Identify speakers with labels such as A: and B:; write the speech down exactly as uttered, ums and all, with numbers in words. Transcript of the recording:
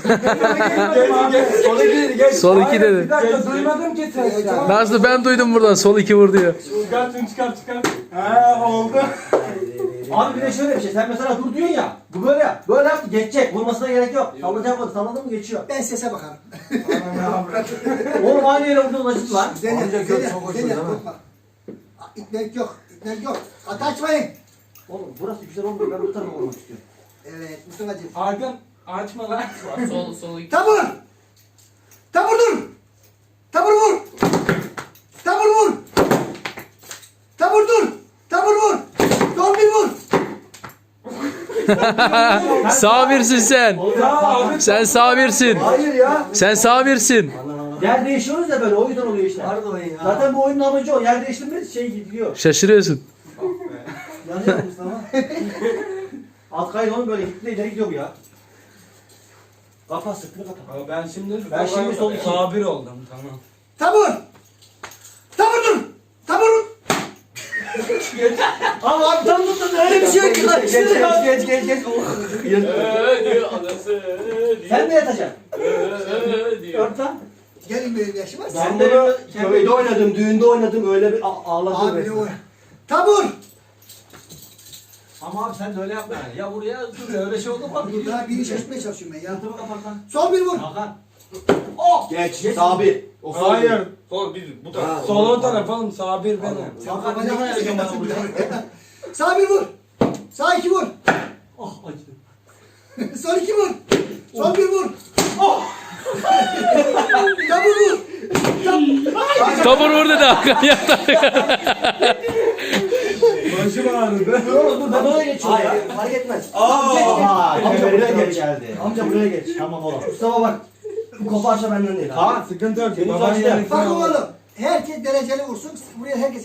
A: Sol iki geç.
B: Sol iki
A: Hayır,
B: dedi.
A: Bir dakika duymadım ki sesler.
B: Nazlı ben duydum buradan sol iki vur diyor.
A: Çıkar şunu çıkar çıkar. He oldu.
C: Abi bir de şöyle bir şey. Sen mesela dur diyorsun ya. Bu böyle yap. Böyle yap geçecek. Vurmasına gerek yok. Sallayacak mı? Salladın mı geçiyor.
D: Ben sese bakarım.
C: Oğlum aynı yere vurdun acıt lan.
D: Dene,
A: Amca
D: dene,
A: gör, çok hoş
D: dene,
A: değil mi?
D: korkma. İtmek yok, itmek yok. At açmayın.
C: Oğlum burası güzel olmuyor. Ben bu tarafa vurmak istiyorum.
D: Evet, Mustafa'cığım.
A: Arkan açma lan.
E: Sol sol iki.
D: Tabur! Tabur dur! Tabur vur! Tabur vur! Tabur dur! Tabur vur! Sol bir vur!
B: Sağ birsin sen.
A: Ya abi.
B: Sen sağ birsin.
C: Hayır ya.
B: Sen sağ birsin.
C: Yer değişiyoruz ya böyle. O yüzden oluyor işte.
D: Pardon ya.
C: Zaten bu oyunun amacı o. Yer değiştirmez şey gidiyor.
B: Şaşırıyorsun.
C: Yanıyor Mustafa. Alt kaydı oğlum böyle gitti ileri gidiyor bu ya. Kapat sırtını kapat.
A: Abi Ben şimdi
C: Ben şimdi sol iki.
A: sabir oldum tamam.
D: Tabur! Tabur dur! Tabur vur!
C: Ama abi tam tuttun öyle bir şey yok ki lan.
A: Geç geç geç geç geç.
E: Eee diyor anası diyor.
C: Sen de yatacaksın.
E: Eee diyor.
C: Ört lan.
D: Gelin benim yaşıma.
C: Ben de köyde oynadım, düğünde oynadım. Öyle bir a- ağladım.
D: Abi ne
C: resmen.
D: o? Tabur!
C: Ama abi sen de öyle yapma yani. Ya buraya dur ya öyle şey oldu mu?
D: Dur daha biri şaşırtmaya çalışıyorum ben ya.
C: Yatımı kapat lan.
D: Sol bir vur!
C: Hakan.
F: Geç. Sabir. O sol
A: Hayır.
F: değil.
E: Sol bir bu
F: Ha,
E: taraf.
A: Sol o taraf oğlum sabir benim.
D: Sen
C: Hakan
D: kafana
C: ne
D: gitmesin
C: kadar
D: nasıl
C: yakın
D: bir Sağ bir vur! Sağ iki vur!
C: Oh acıdı.
D: Sol iki vur! Sol bir vur! Tabur vur!
B: Tabur vur dedi Hakan yattı.
A: Başım ağrıdı.
C: Dur oğlum dur ben oraya geçiyorum ya. Fark etmez.
F: Aa,
C: Geç, geç.
F: aha,
C: Amca
F: kemerine
C: buraya
F: doğru
C: geç.
F: geldi.
C: Amca buraya geç. Tamam oğlum. Mustafa bak. Bu koparsa benden değil.
A: Ha sıkıntı yok.
C: Senin
A: Baban
C: saçta.
A: yani
D: Bak oğlum, herkes dereceli vursun. Buraya herkes